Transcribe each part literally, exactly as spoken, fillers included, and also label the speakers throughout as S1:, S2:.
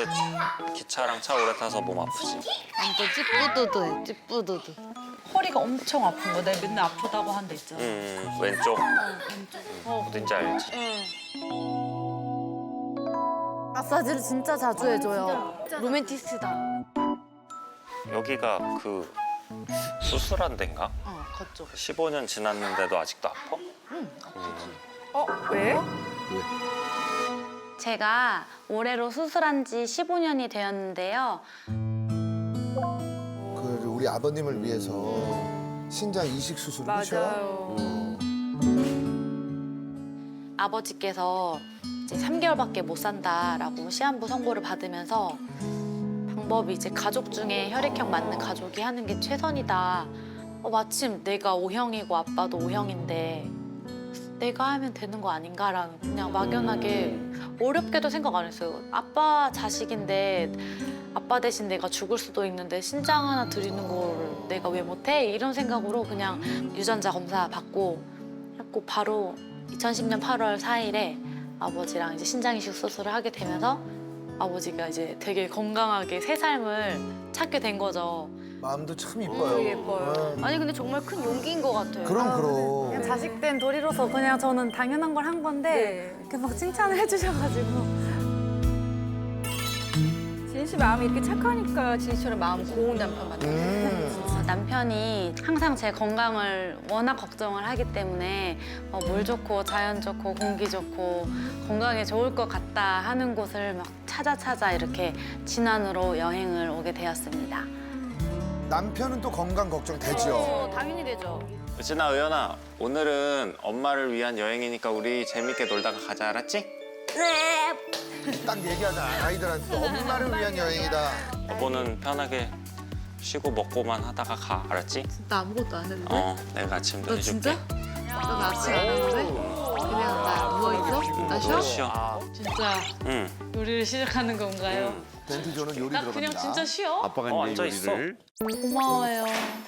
S1: 이제 기차랑 차 오래 타서 몸 아프지.
S2: 완전 찌뿌두두해, 찌뿌두두.
S3: 허리가 엄청 아픈 거. 내가 맨날 아프다고 한 데 있잖아.
S1: 음, 왼쪽.
S3: 어,
S1: 어딘지 알지?
S2: 마사지를 진짜 자주 해줘요. 로맨티스트다.
S1: 여기가 그 수술한 데인가?
S2: 어, 그쪽.
S1: 십오 년 지났는데도 아직도 아파?
S3: 어, 왜?
S4: 제가 올해로 수술한 지 십오 년이 되었는데요.
S5: 그 우리 아버님을 위해서 신장 이식 수술을 하셔.
S3: 맞아요.
S4: 아버지께서 이제 삼 개월밖에 못 산다라고 시한부 선고를 받으면서 방법이 이제 가족 중에 혈액형 맞는 가족이 하는 게 최선이다. 어, 마침 내가 오형이고 아빠도 오형인데 내가 하면 되는 거 아닌가라는 그냥 막연하게 어렵게도 생각 안 했어요. 아빠 자식인데 아빠 대신 내가 죽을 수도 있는데 신장 하나 드리는 거를 내가 왜 못해? 이런 생각으로 그냥 유전자 검사 받고 했고 바로 이천십 년 팔월 사일에 아버지랑 이제 신장 이식 수술을 하게 되면서 아버지가 이제 되게 건강하게 새 삶을 찾게 된 거죠.
S5: 마음도 참 이뻐요.
S3: 음, 예뻐요.
S5: 응.
S2: 아니 근데 정말 큰 용기인 것 같아요.
S5: 그럼 그럼.
S6: 그냥 자식된 도리로서 그냥 저는 당연한 걸 한 건데 이렇게 막 칭찬을 해주셔가지고
S3: 진희 씨 마음이 이렇게 착하니까 진희처럼 마음 고운 남편 같아요.
S5: 음.
S4: 어, 남편이 항상 제 건강을 워낙 걱정을 하기 때문에 어, 물 좋고 자연 좋고 공기 좋고 건강에 좋을 것 같다 하는 곳을 막 찾아 찾아 이렇게 진안으로 여행을 오게 되었습니다.
S5: 남편은 또 건강 걱정 되죠.
S2: 어, 당연히 되죠.
S1: 유진아, 의연아, 오늘은 엄마를 위한 여행이니까 우리 재밌게 놀다가 가자, 알았지?
S5: 딱 얘기하자. 아이들한테 또 엄마를 위한 여행이다.
S1: 여보는 편하게 쉬고 먹고만 하다가 가, 알았지?
S2: 나 아무것도 안 했는데?
S1: 어, 내가 아침도
S2: 너
S1: 해줄게.
S2: 진짜? 너 나 아침 안 했는데? 그냥 나 누워있어? 나 쉬어?
S1: 쉬어.
S4: 진짜
S1: 응.
S4: 요리를 시작하는 건가요?
S1: 응.
S5: 덴티조는 요리
S4: 나
S5: 들어갑니다.
S4: 그냥 진짜 쉬어?
S7: 아빠가
S1: 어,
S7: 이제
S1: 앉아 있어.
S7: 요리를
S4: 고마워요.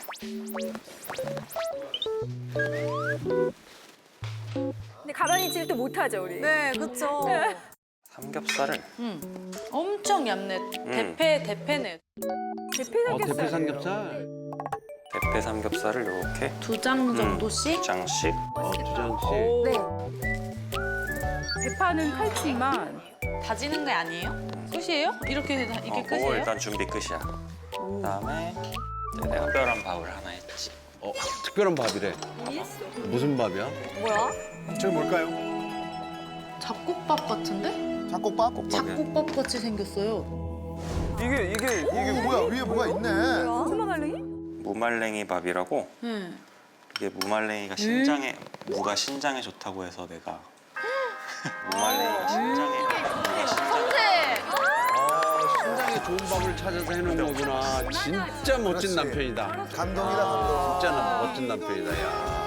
S3: 근데 가만히 있을 때 못하죠, 우리.
S6: 네 그쵸
S1: 삼겹살을
S4: 엄청 얇네. 대패, 대패네.
S3: 대패
S7: 어, 대패
S3: 삼겹살이에요.
S7: 삼겹살
S1: 대패 삼겹살을 이렇게
S4: 두 장 정도씩?
S1: 두 장씩.
S7: 어, 두 장씩
S3: 오.
S6: 네.
S3: 대파는 팔찌만.
S4: 다지는 게 아니에요? 끝이에요? 이렇게 이게
S1: 어, 그거
S4: 끝이에요?
S1: 일단 준비 끝이야. 그다음에 이제 내가 특별한 밥을 하나 했지.
S7: 어, 특별한 밥이래 무슨 밥이야?
S6: 뭐야?
S5: 저 뭘까요?
S2: 잡곡밥 같은데?
S5: 잡곡밥?
S2: 잡곡밥 같이 생겼어요.
S8: 이게 이게
S5: 이게 뭐야? 위에 뭐가 있네.
S6: 무슨 말랭이?
S1: 무말랭이 밥이라고.
S4: 네.
S1: 이게 무말랭이가 신장에 무가 신장에 좋다고 해서 내가 무말랭이가 신장에 무가 신장에
S7: 아, 신장에 좋은 밥을 찾아서 해놓은 거구나 진짜 멋진
S5: 그렇지.
S7: 남편이다
S5: 감동이다 감동.
S7: 진짜 나- 멋진 남편이다 야.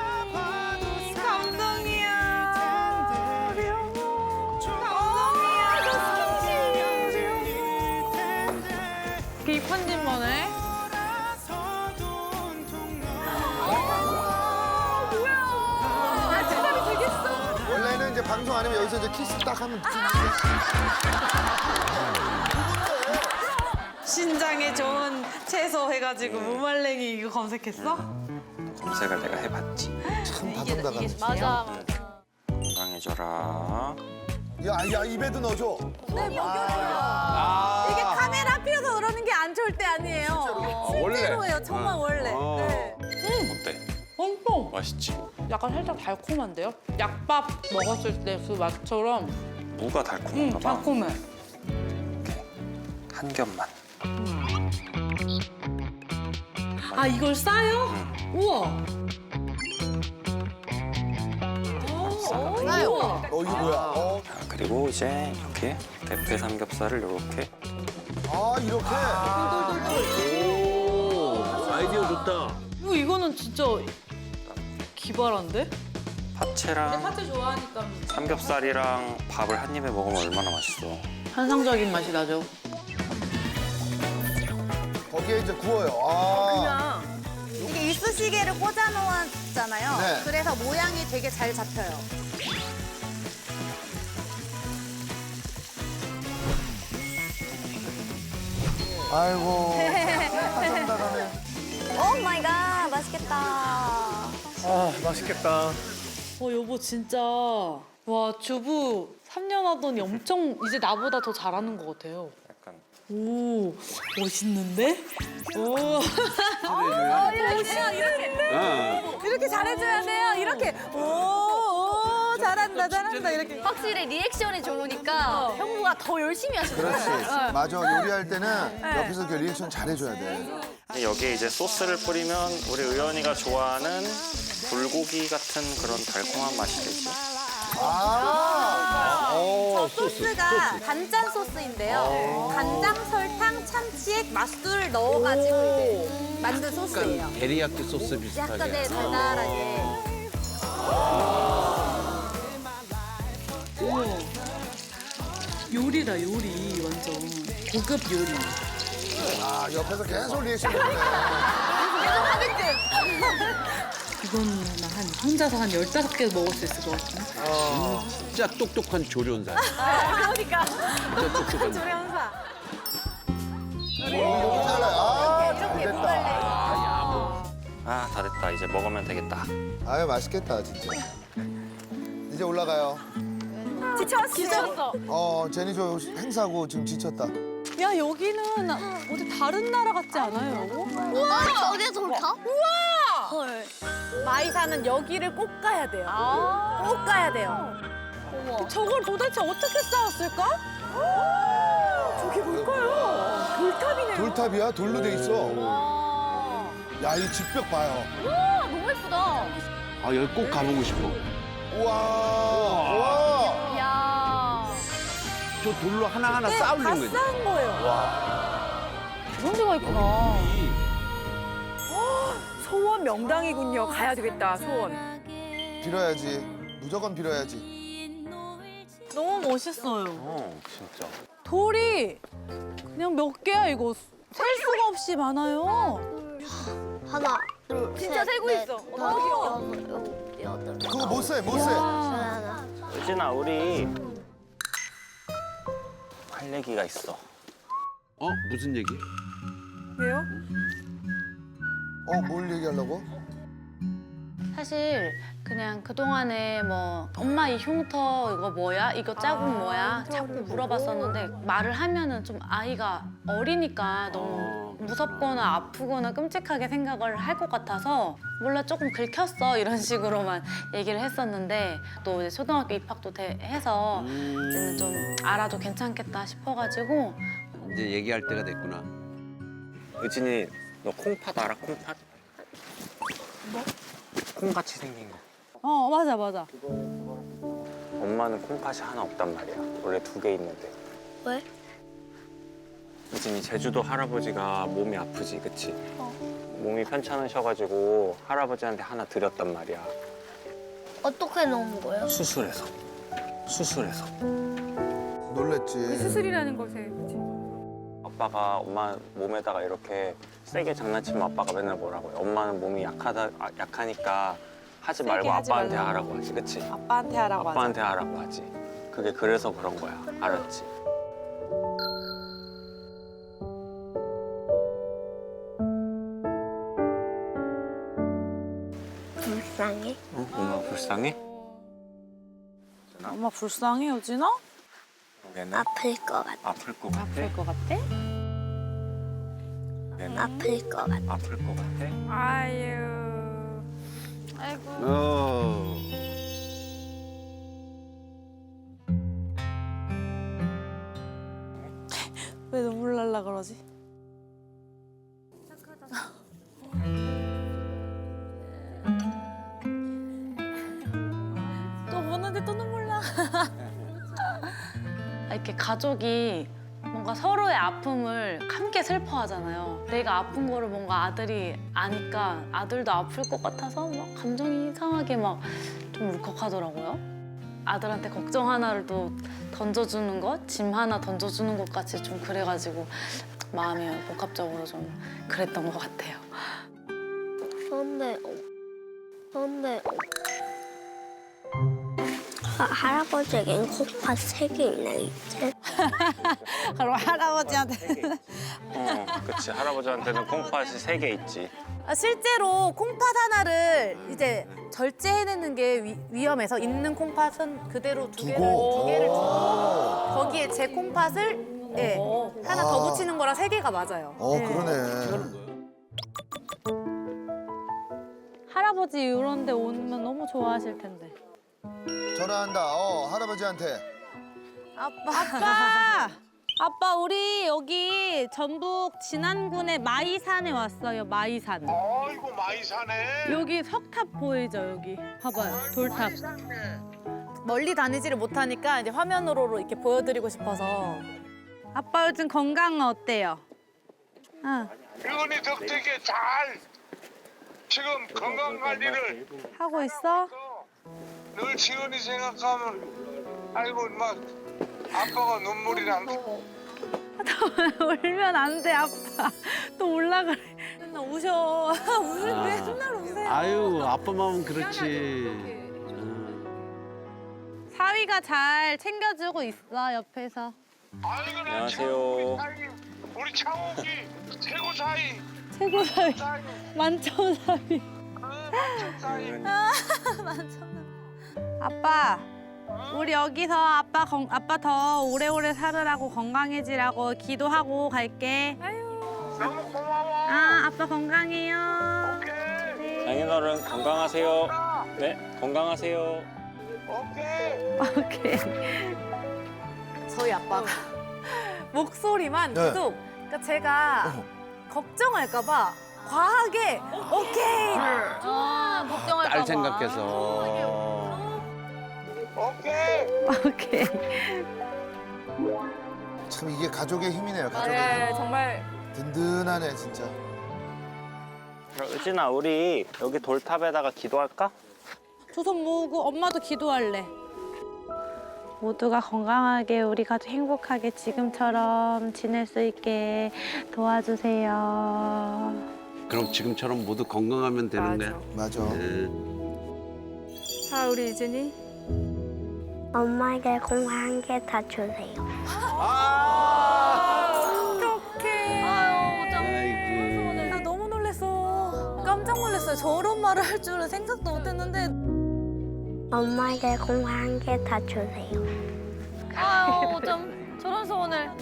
S4: 이렇게 이쁜 집만해?
S5: 원래는 이제 방송 안 하면 여기서 이제 키스 딱 하면
S4: 신장에 좋은 채소 해가지고 무말랭이 이거 검색했어?
S1: 검색을 내가 해봤지.
S5: 참 다정다감.
S2: 맞아.
S1: 건강해져라.
S5: 야, 야 입에도 넣어줘.
S7: 아,
S6: 이게 카메라 앞에서 그러는 게 안 좋을 때 아니에요
S7: 원래.
S6: 실제로예요 정말 원래
S7: 어.
S6: 네.
S1: 어때?
S3: 엄청.
S1: 맛있지?
S3: 약간 살짝 달콤한데요? 약밥 먹었을 때 그 맛처럼
S1: 무가
S3: 음,
S1: 달콤한가 봐.
S3: 달콤해.
S1: 한 겹만.
S4: 아 이걸 싸요? 우와.
S2: 싸요.
S5: 어 이거 뭐야? 어,
S1: 자, 그리고 이제 이렇게 대패 삼겹살을 이렇게
S5: 아 이렇게.
S7: 오 아이디어 좋다
S4: 뭐 이거는 진짜 기발한데?
S1: 파채랑
S4: 파채 좋아하니까
S1: 삼겹살이랑 밥을 한 입에 먹으면 얼마나 맛있어.
S4: 환상적인 맛이 나죠.
S5: 거기에 이제 구워요. 아.
S6: 이게 이쑤시개를 꽂아 놓았잖아요
S5: 네.
S6: 그래서 모양이 되게 잘 잡혀요
S5: 아이고. 다정다감해.
S8: 오 마이 갓, 맛있겠다.
S1: 아 맛있겠다.
S3: 어 여보 진짜 와 주부 삼 년 하더니 엄청 이제 나보다 더 잘하는 것 같아요.
S1: 약간
S3: 오 멋있는데? 오.
S7: 어.
S6: 이렇게 잘해줘야 돼요. 이렇게 오, 오 잘한다 잘한다 이렇게.
S8: 확실히 리액션이 좋으니까 형부가 더 열심히 하시더라고요.
S5: 그렇지. 맞아. 요리할 때는 옆에서 그 리액션 잘해줘야 돼.
S1: 여기에 이제 소스를 뿌리면 우리 의연이가 좋아하는 불고기 같은 그런 달콤한 맛이 되지.
S5: 아.
S7: 어,
S8: 소스가 단짠 소스인데요. 간장, 설탕, 참치액, 맛술 넣어가지고 이제 만든 소스예요.
S7: 약간 데리야끼 소스 비슷하게.
S8: 약간 네, 달달하게.
S3: 우와. 요리다 요리 완전 고급 요리.
S5: 아, 옆에서 계속 리액션 해주네.
S3: 이거는 한 혼자서 한 열다섯 개 먹을 수 있을 것 같은데.
S7: 진짜 똑똑한 조련사.
S8: 그러니까.
S7: 진짜 똑똑한.
S6: 조련사.
S5: 여기 잘해. 아, 잘
S8: 이렇게
S5: 됐다.
S8: 무갈래.
S1: 아 다 됐다. 이제 먹으면 되겠다.
S5: 아유, 맛있겠다, 진짜. 이제 올라가요.
S8: 지쳤어. 지쳤어.
S5: 어, 제니 저 행사고 지금 지쳤다.
S6: 야 여기는 어디 다른 나라 같지 않아요?
S8: 우와, 저게 좋다? 우와! 헐.
S6: 마이사는 여기를 꼭 가야 돼요.
S8: 아.
S6: 꼭 가야 돼요.
S8: 어머.
S6: 저걸 도대체 어떻게 쌓았을까? 저게 뭘까요? 돌탑이네요.
S5: 돌탑이야? 돌로 돼 있어.
S8: 와.
S5: 야, 이 집벽 봐요.
S8: 우와, 너무 예쁘다.
S7: 아, 여기 꼭 가보고 싶어.
S5: 우와. 우와.
S8: 이야.
S7: 저 돌로 하나하나 쌓으려는
S6: 다
S7: 거지.
S6: 쌓은 거예요.
S8: 그런 데가 있구나.
S6: 소원 명당이군요. 가야 되겠다, 소원.
S5: 빌어야지. 무조건 빌어야지.
S6: 너무 멋있어요.
S1: 어 진짜.
S6: 돌이 그냥 몇 개야, 이거. 셀 수가 없이 많아요.
S8: 하나, 둘, 진짜 세고 있어.
S6: 너무 귀여워.
S8: 여섯, 일곱, 여덟.
S5: 그거 못 세, 못 세.
S8: 하나.
S1: 유진아 우리 할 얘기가 있어.
S7: 어? 무슨 얘기?
S6: 왜요?
S5: 어, 뭘 얘기하려고?
S4: 사실 그냥 그동안에 뭐 엄마 이 흉터 이거 뭐야? 이거 자국 뭐야? 자꾸 물어봤었는데 말을 하면은 좀 아이가 어리니까 너무 무섭거나 아프거나 끔찍하게 생각을 할 것 같아서 몰라 조금 긁혔어 이런 식으로만 얘기를 했었는데 또 이제 초등학교 입학도 돼- 해서 이제는 좀 알아도 괜찮겠다 싶어가지고
S7: 이제 얘기할 때가 됐구나.
S1: 유진이 너 콩팥 알아? 콩팥? 뭐? 콩같이 생긴 거.
S6: 어, 맞아, 맞아.
S1: 엄마는 콩팥이 하나 없단 말이야. 원래 두 개 있는데.
S8: 왜?
S1: 유진이 제주도 할아버지가 몸이 아프지, 그치?
S8: 어.
S1: 몸이 편찮으셔가지고 할아버지한테 하나 드렸단 말이야.
S8: 어떻게 넣은 거예요?
S1: 수술해서. 수술해서.
S5: 놀랬지.
S6: 수술이라는 것에. 그치?
S1: 아빠가 엄마 몸에다가 이렇게 세게 장난치면 아빠가 맨날 뭐라고 해. 엄마는 몸이 약하다, 아, 약하니까 하지 말고
S6: 하지
S1: 아빠한테
S6: 말라고.
S1: 하라고 하지, 그치?
S6: 아빠한테 하라고 하자.
S1: 아빠한테 하라고 하지. 그게 그래서 그런 거야. 알았지?
S8: 불쌍해.
S1: 어? 엄마 불쌍해?
S6: 엄마 불쌍해, 여진아?
S1: 얘는
S8: 아플 것 같아.
S1: 아플 것 같아?
S6: 아플 것 같아?
S1: 얘는
S8: 아플 것 같아.
S1: 아플 것 같아?
S6: 아유.
S7: 어.
S6: 왜 눈물 날라 그러지? 또 보는데 또 눈물 나.
S4: 이렇게 가족이 뭔가 서로의 아픔을 함께 슬퍼하잖아요. 내가 아픈 거를 뭔가 아들이 아니까 아들도 아플 것 같아서 막 감정이 이상하게 막 좀 울컥하더라고요. 아들한테 걱정 하나를 또 던져주는 것, 짐 하나 던져주는 것 같이 좀 그래가지고 마음이 복합적으로 좀 그랬던 것 같아요.
S8: 그런데, 그런데 하, 할아버지에겐 콩팥 세 개 있네, 이제.
S6: 그럼 할아버지한테.
S1: 어, 그치. 할아버지한테는 콩팥이 세 개 있지.
S6: 아, 실제로 콩팥 하나를 이제 절제해내는 게 위, 위험해서 있는 콩팥은 그대로 두 개를,
S5: 두고.
S6: 두 개를 두고
S5: 오.
S6: 거기에 제 콩팥을 예, 하나 더 붙이는 거랑 세 개가 맞아요.
S5: 어,
S6: 예.
S5: 그러네.
S6: 할아버지 이런 데 오면 너무 좋아하실 텐데.
S5: 전화한다. 어, 할아버지한테.
S6: 아빠! 아빠, 우리 여기 전북 진안군의 마이산에 왔어요, 마이산.
S9: 아이고 많이 사네.
S6: 여기 석탑 보이죠, 여기. 봐봐요, 돌탑. 멀리 다니지를 못하니까 이제 화면으로 이렇게 보여드리고 싶어서. 아빠 요즘 건강은 어때요? 응.
S9: 유은이 덕택에 잘 지금 건강 관리를
S6: 하고 있어?
S9: 늘 지은이 생각하면 아이고 막 아빠가 눈물이 난다.
S6: 울면 안 돼, 아빠. 또 올라가래. 맨날 우셔. 울,
S7: 아.
S6: 맨날 우세요.
S7: 아유 아빠 마음은 그렇지.
S6: 사위가 잘 챙겨주고 있어, 옆에서.
S9: 아이고 나
S1: 안녕하세요.
S9: 우리 사이, 우리 창욱이 최고 사이.
S6: 최고 사위.
S9: 사이.
S6: 만점 사위.
S9: 어, 만점 사이.
S6: 아빠, 우리 여기서 아빠 건, 아빠 더 오래오래 살으라고 건강해지라고 기도하고 갈게.
S9: 너무 고마워.
S6: 아, 아빠 건강해요.
S9: 오케이.
S1: 장인어른 건강하세요. 네, 건강하세요.
S9: 오케이.
S6: 오케이. 저희 아빠가 목소리만
S5: 네.
S6: 계속, 그러니까 제가 걱정할까봐 과하게 오케이.
S8: 아, 걱정할까 봐.
S7: 딸 생각해서.
S9: 오케이.
S6: 오케이.
S5: 참 이게 가족의 힘이네요. 가족의
S6: 네,
S5: 힘.
S6: 정말.
S5: 든든하네, 진짜.
S1: 의진아, 우리 여기 돌탑에다가 기도할까?
S6: 두 손 모으고 엄마도 기도할래. 모두가 건강하게 우리 가족 행복하게 지금처럼 지낼 수 있게 도와주세요.
S7: 그럼 지금처럼 모두 건강하면 되는 거야.
S5: 맞아.
S7: 네.
S6: 자, 우리 이진이.
S10: 엄마에게 건강한 게 다 주세요.
S6: 어떡해.
S7: 아이고.
S6: 나 너무 놀랐어. 깜짝 놀랐어요. 저런 말을 할 줄은 생각도 못했는데.
S10: 엄마에게 건강한 게 다 주세요.
S8: 아유, 좀 저런 소원을.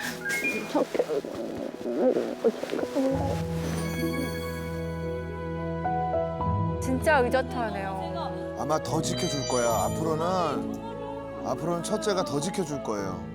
S6: 진짜 의젓하네요.
S5: 아마 더 지켜줄 거야. 앞으로는, 앞으로는 첫째가 더 지켜줄 거예요.